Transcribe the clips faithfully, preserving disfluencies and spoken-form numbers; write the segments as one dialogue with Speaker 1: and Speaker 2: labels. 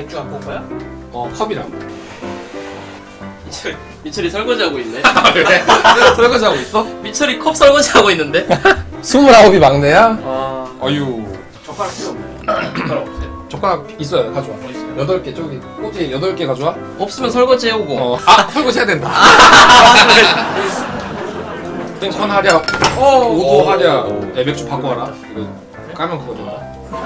Speaker 1: 맥주 갖고 온 거야?
Speaker 2: 어 컵이랑.
Speaker 3: 미철, 미철이 설거지하고 있네.
Speaker 2: 그래? 설거지하고 있어?
Speaker 3: 미철이 컵 설거지하고 있는데?
Speaker 2: 스물아홉이 막내야?
Speaker 3: 아...
Speaker 2: 어유.
Speaker 1: 젓가락 필요 없네. 젓가락 없어요.
Speaker 2: 젓가락 있어요. 가져와.
Speaker 1: 뭐 있어요?
Speaker 2: 여덟 개 저기 꼬지 여덟 개 가져와.
Speaker 3: 없으면 설거지 해오고.
Speaker 2: 어. 아 설거지 해야 된다. 땡선 하랴. 어. 오도 하랴. 애 맥주 바꿔 와라. 이거 까면 그거 된다.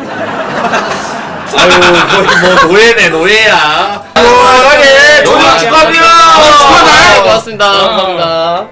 Speaker 4: 아유 거의 뭐 노예네 노예야.
Speaker 2: 노예
Speaker 4: 노예 축하합니다.
Speaker 3: 아, 고맙습니다. 감사합니다.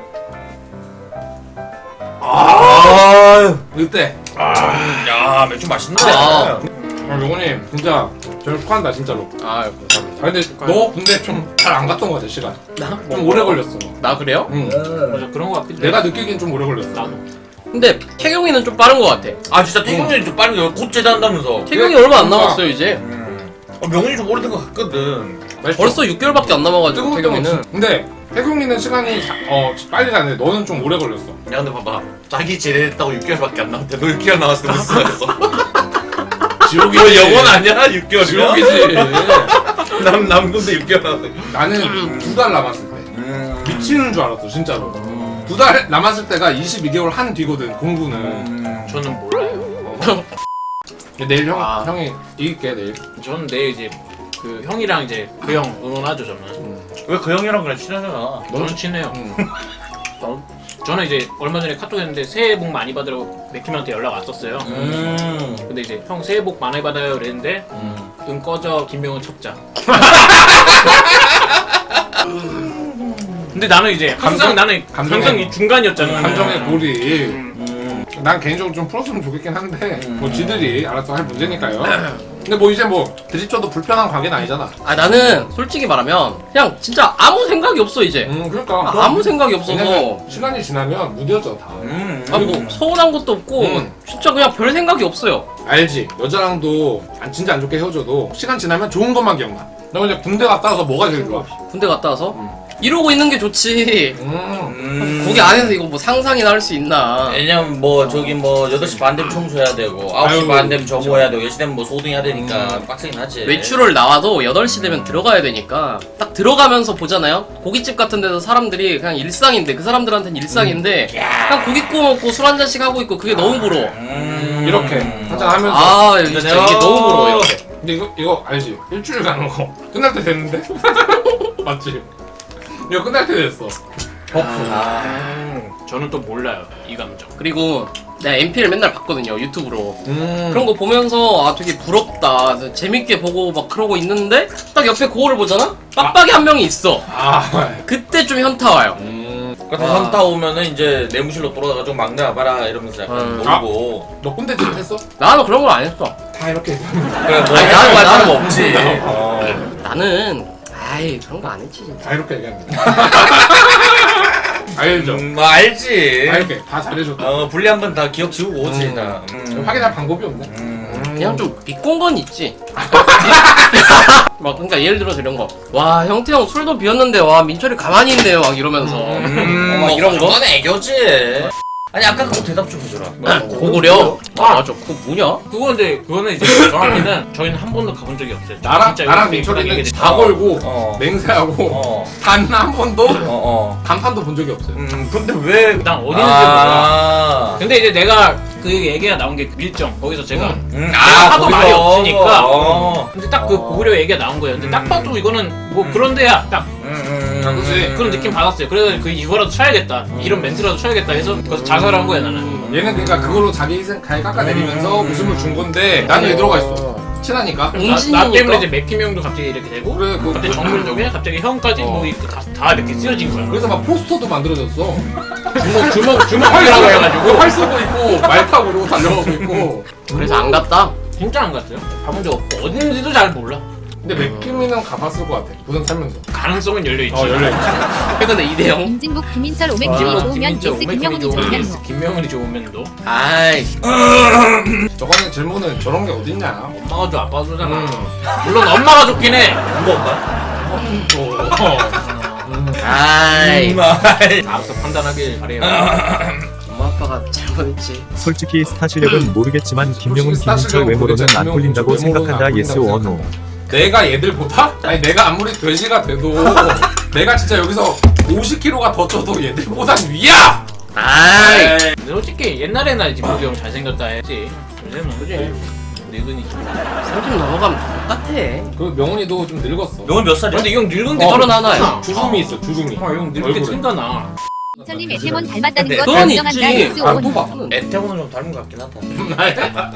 Speaker 4: 아,
Speaker 2: 이때.
Speaker 4: 야 맥주 맛있네.
Speaker 3: 아.
Speaker 2: 아 용호님 진짜 저를 축하한다 진짜로.
Speaker 3: 아,
Speaker 2: 아 근데 너 근데 좀 잘 안 갔던 거 같아 시간.
Speaker 3: 나?
Speaker 2: 좀 오래 걸렸어.
Speaker 3: 나 그래요?
Speaker 2: 응.
Speaker 1: 맞아 그런 거 같기도 해.
Speaker 2: 내가 느끼기엔 좀 오래 걸렸어.
Speaker 1: 나도.
Speaker 3: 근데 태경이는 좀 빠른 것 같아.
Speaker 4: 아 진짜 태경이 좀 빠른 게 곧 제대한다면서.
Speaker 3: 태경이
Speaker 2: 그래,
Speaker 3: 얼마 안
Speaker 2: 뭔가-
Speaker 3: 남았어요 이제.
Speaker 4: 음. 어, 명훈이 좀 오래된 것 같거든.
Speaker 2: 맛있어.
Speaker 3: 벌써 육 개월밖에 안 남아가지고
Speaker 2: 뜨거울
Speaker 3: 태경이는.
Speaker 2: 때는. 근데 태경이는 시간이 자- 어 빨리 가는데 너는 좀 오래 걸렸어.
Speaker 4: 야 근데 봐봐 자기 제대했다고 육 개월밖에 안 남았대. 너 육 개월 남았을 때 무슨 말했어?
Speaker 2: 지옥이지.
Speaker 4: 너 영원 아니야? 육 개월이면?
Speaker 2: 지옥이지.
Speaker 4: 남 남군데 육 개월 남았대.
Speaker 2: 나는 두 달 남았을 때
Speaker 4: 음.
Speaker 2: 미치는 줄 알았어 진짜로. 두 달 남았을 때가 이십이 개월 한 뒤거든 공부는.
Speaker 4: 음.
Speaker 1: 저는 몰라요.
Speaker 2: 내일 형
Speaker 3: 아.
Speaker 2: 형이 이길게 내일.
Speaker 1: 저는 내일 이제 그 형이랑 이제 그 형 응원하죠 저는.
Speaker 4: 왜 그 형이랑 그래 친하잖아.
Speaker 1: 저는 친해요.
Speaker 2: 응.
Speaker 1: 저는 이제 얼마 전에 카톡 했는데 새해 복 많이 받으라고 맥킴한테 연락 왔었어요.
Speaker 4: 음.
Speaker 1: 근데 이제 형 새해 복 많이 받아요 그랬는데
Speaker 4: 음.
Speaker 1: 응 꺼져 김명훈 첩자. 근데 나는 이제 항상
Speaker 2: 감정-
Speaker 1: 나는
Speaker 2: 감정의-
Speaker 1: 항상 이 중간이었잖아.
Speaker 2: 감정의 고리.
Speaker 4: 음.
Speaker 2: 난 개인적으로 좀 풀었으면 좋겠긴 한데
Speaker 4: 음.
Speaker 2: 뭐 지들이 알아서 할 문제니까요. 근데 뭐 이제 뭐 드립쳐도 불편한 관계는 아니잖아.
Speaker 3: 아 나는 솔직히 말하면 그냥 진짜 아무 생각이 없어 이제.
Speaker 2: 음 그러니까.
Speaker 3: 아, 아무 생각이 없어서.
Speaker 2: 왜냐면 시간이 지나면 무뎌져 다.
Speaker 4: 음.
Speaker 3: 아 뭐 서운한 것도 없고
Speaker 2: 음.
Speaker 3: 진짜 그냥 별 생각이 없어요.
Speaker 2: 알지. 여자랑도 안- 진짜 안 좋게 헤어져도 시간 지나면 좋은 것만 기억나. 너 이제 군대 갔다 와서 뭐가 제일 좋아?
Speaker 3: 군대 갔다 와서
Speaker 2: 음.
Speaker 3: 이러고 있는 게 좋지.
Speaker 2: 음.
Speaker 4: 음.
Speaker 3: 거기 안에서 이거 뭐 상상이나 할 수 있나?
Speaker 4: 왜냐면 뭐 저기 뭐 여덟 시 반 되면 청소해야 되고 아홉 시
Speaker 2: 아유,
Speaker 4: 반 되면 저거 해야 되고 열 시 되면 뭐 소등해야 되니까
Speaker 2: 음.
Speaker 4: 빡세긴 하지.
Speaker 3: 외출을 나와도 여덟 시 되면 들어가야 되니까 딱 들어가면서 보잖아요. 고깃집 같은 데서 사람들이 그냥 일상인데 그 사람들한테는 일상인데 그냥 고기 구워 먹고 술 한 잔씩 하고 있고 그게 너무 부러워.
Speaker 4: 음.
Speaker 2: 이렇게 한잔 하면서.
Speaker 3: 아 진짜 이게 너무 부러워 이렇게.
Speaker 2: 근데 이거 이거 알지? 일주일 가는 거 끝날 때 됐는데? 맞지? 이거 끝날 때 됐어.
Speaker 4: 아.
Speaker 1: 음, 저는 또 몰라요 이 감정.
Speaker 3: 그리고 내가 엠피를 맨날 봤거든요 유튜브로.
Speaker 2: 음.
Speaker 3: 그런 거 보면서 아 되게 부럽다 재밌게 보고 막 그러고 있는데 딱 옆에 거울을 보잖아? 빡빡이 한 명이 있어.
Speaker 2: 아.
Speaker 3: 그때 좀 현타 와요.
Speaker 2: 음.
Speaker 4: 그러니까
Speaker 3: 와.
Speaker 4: 현타 오면은 이제 내무실로 돌아가가지고 막내 와봐라 이러면서 약간
Speaker 3: 음.
Speaker 4: 놀고.
Speaker 2: 너 꼰대 짓 했어?
Speaker 3: 나는 그런 걸 안 했어.
Speaker 2: 다 이렇게.
Speaker 4: 그래 뭐
Speaker 3: 아니,
Speaker 4: 하는
Speaker 3: 나는-
Speaker 4: 사람
Speaker 3: 나는-
Speaker 4: 없지. 어.
Speaker 3: 나는 아이 그런 거 안 했지 진짜.
Speaker 2: 다 이렇게 얘기합니다. 알죠?
Speaker 4: 음, 뭐 알지.
Speaker 2: 다 이렇게 다 잘해줬다.
Speaker 4: 어 분리 한 번 다 기억 지우고 오지
Speaker 2: 음.
Speaker 4: 다. 음.
Speaker 2: 확인할 방법이 없네.
Speaker 4: 음.
Speaker 3: 그냥 좀 비꼰 건 있지. 막 그러니까 예를 들어서 이런 거. 와 형태형 술도 비웠는데 와 민철이 가만히 있네요 막 이러면서.
Speaker 4: 음,
Speaker 3: 어, 막
Speaker 4: 뭐
Speaker 3: 이런 거.
Speaker 4: 그건 애교지. 아니 아까 그거 대답 좀 해줘라.
Speaker 3: 고구려. 아 맞아. 그거 뭐냐?
Speaker 1: 그건데 그거는 이제 정확히는 저희는 한 번도 가본 적이 없어요.
Speaker 2: 나랑
Speaker 1: 진짜
Speaker 2: 나랑
Speaker 1: 이렇게
Speaker 2: 민철이는
Speaker 1: 얘기해
Speaker 2: 다 걸고
Speaker 4: 어.
Speaker 2: 맹세하고
Speaker 4: 어.
Speaker 2: 단 한 번도
Speaker 4: 어 어.
Speaker 2: 간판도 본 적이 없어요.
Speaker 4: 음 근데 왜?
Speaker 1: 난 어디 있는지 몰라.
Speaker 4: 아.
Speaker 1: 근데 이제 내가 그 얘기가 나온 게 밀정 거기서 제가
Speaker 2: 음.
Speaker 4: 음,
Speaker 1: 내가
Speaker 4: 아,
Speaker 1: 하도
Speaker 4: 거기서.
Speaker 1: 말이 없으니까.
Speaker 4: 어.
Speaker 1: 근데 딱 그
Speaker 4: 어.
Speaker 1: 고구려 얘기가 나온 거예요. 근데 딱
Speaker 4: 음.
Speaker 1: 봐도 이거는 뭐
Speaker 4: 음.
Speaker 1: 그런 데야 딱
Speaker 4: 음, 음,
Speaker 2: 아, 그치.
Speaker 1: 그런 느낌 받았어요. 그래서 그 이거라도 쳐야겠다. 이런 멘트라도 쳐야겠다 해서 그래서 자살한 거야 나는.
Speaker 2: 얘는 그러니까 그걸로 자기 희생 갈 깎아내리면서
Speaker 4: 음.
Speaker 2: 웃음을 준 건데 나는 왜 들어가 있어? 친하니까.
Speaker 1: 나,
Speaker 3: 웅진이니까.
Speaker 1: 나 때문에 이제 맥힘 형도 갑자기 이렇게 되고
Speaker 2: 그래 그
Speaker 1: 갑자기 정글적에 갑자기 형까지
Speaker 2: 어.
Speaker 1: 뭐 이렇게 다, 다 이렇게 쓰여진 거야.
Speaker 2: 그래서 막 포스터도 만들어졌어.
Speaker 1: 주먹 주먹 주먹이라고
Speaker 2: 활
Speaker 1: 해가지고
Speaker 2: 활 쓰고 있고 말 타고 이러고 달려가고 있고.
Speaker 3: 그래서 안 갔다.
Speaker 1: 진짜 안 갔어요. 가본 적 없고 어디 있는지도 잘 몰라.
Speaker 2: 근데 맥킴이는 가봤을 것 같아. 부산 살면서.
Speaker 1: 가능성은 열려 있지.
Speaker 2: 어 열려있지.
Speaker 3: 최근에 이대영.
Speaker 5: 임진국 김인철 오맥킴이
Speaker 1: 아,
Speaker 5: 좋으면
Speaker 1: 김민철,
Speaker 5: 예스
Speaker 1: 오메킴이
Speaker 5: 김명훈이
Speaker 1: 좋으면
Speaker 5: 좋으면
Speaker 1: 예스,
Speaker 5: 노
Speaker 1: 김명훈이 좋으면 너.
Speaker 3: 아이.
Speaker 2: 저거는 질문은 저런 게 어딨냐.
Speaker 1: 엄마가 줘 아빠가 줘잖아.
Speaker 2: 음.
Speaker 1: 물론 엄마가 좋긴 해.
Speaker 4: 누가 엄마?
Speaker 2: 또. 어.
Speaker 3: 아이.
Speaker 4: 음, 아이.
Speaker 1: 알아서 판단하길 바래요.
Speaker 3: 엄마 아빠가 잘못했지.
Speaker 6: 솔직히 스타 실력은 모르겠지만 김명훈,
Speaker 2: 솔직히 스타
Speaker 6: 김민철
Speaker 2: 실력은
Speaker 6: 외모로는
Speaker 2: 모르겠지만
Speaker 6: 안 꼴린다고
Speaker 2: 김명훈,
Speaker 6: 생각한다.
Speaker 2: 외모로는
Speaker 6: 예스
Speaker 2: 안
Speaker 6: 원호.
Speaker 2: 생각한다. 내가 얘들보다? 아니 내가 아무리 돼지가 돼도 내가 진짜 여기서 오십 킬로그램가 더 쪄도 얘들보단 위야!
Speaker 3: 아이
Speaker 1: 근데 솔직히 옛날에나 진목이 형 잘생겼다 했지. 요새는 그지? 늙으니.
Speaker 3: 삼십 넘어가면 다 똑같아.
Speaker 2: 그 명훈이도 좀 늙었어.
Speaker 4: 명은 몇 살이야?
Speaker 1: 근데 이 형 늙은 게
Speaker 2: 어,
Speaker 3: 서른 하나야.
Speaker 2: 주름이 있어 주름이.
Speaker 1: 아, 형 늙을 때
Speaker 2: 얼굴에.
Speaker 1: 티가 나.
Speaker 5: 이천님 에테몬 닮았다는 거
Speaker 3: 그건
Speaker 5: 인정한다.
Speaker 3: 있지.
Speaker 5: 예스
Speaker 2: 아,
Speaker 5: 온.
Speaker 2: 또 봐.
Speaker 4: 애태고는 좀 닮은 것 같긴 하다.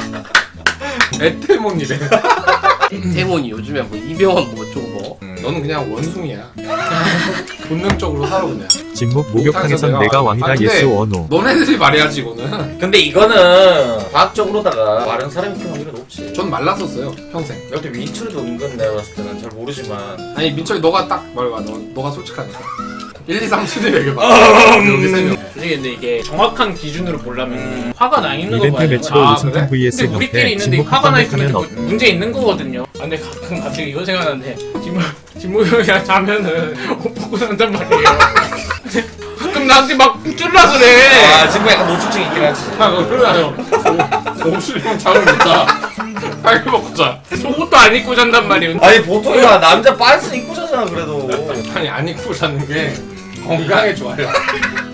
Speaker 2: 에테몬이래.
Speaker 3: 태몬이 요즘에 뭐 이병헌 뭐 어쩌고 뭐.
Speaker 2: 너는 그냥 원숭이야. 본능적으로 살아 그냥.
Speaker 6: 진목 목욕탕에선
Speaker 2: 내가-
Speaker 6: 내가 왕이다
Speaker 2: 아, 근데-
Speaker 6: 예스 원호.
Speaker 2: 너네들이 말해야지 이거는.
Speaker 4: 근데 이거는 과학적으로다가 마른 사람이 키우는 확률이 높지.
Speaker 2: 전 말랐었어요 평생.
Speaker 4: 여태 민철이도 은근 내가 봤을 때는 잘 모르지만
Speaker 2: 아니 민철이 너가 딱 말해봐. 너, 너가 솔직하니까. 일, 이, 삼 순위 얘기해봐. 여기 세 명.
Speaker 1: 솔직히 근데 이게 정확한 기준으로 보려면 화가 나 있는 거
Speaker 6: 이벤트
Speaker 1: 봐야
Speaker 6: 매치로
Speaker 1: 되거든.
Speaker 2: 아,
Speaker 6: 우승팀
Speaker 2: 그래?
Speaker 6: vs
Speaker 1: 근데 우리끼리
Speaker 6: 형태
Speaker 1: 있는데
Speaker 6: 진목
Speaker 1: 화가 나 있으면
Speaker 6: 한
Speaker 1: 그 문제 있는 거거든요. 아, 근데 가끔 갑자기 이거 생각나는데 진모 진모 형이랑 자면은 옷 벗고 산단 말이에요. 근데 가끔 나한테 막 찔러서 그래.
Speaker 4: 아 지금 약간 노출증 있긴 하지.
Speaker 2: 아 그러나요? 옥수령 잠을 못 자. 빨리 먹고 자.
Speaker 1: 속옷도 안 입고 잔단 말이에요.
Speaker 4: 아니 보통 야 남자 빤스 입고 자잖아 그래도.
Speaker 2: 아니 안 입고 자는 게 건강에 좋아요.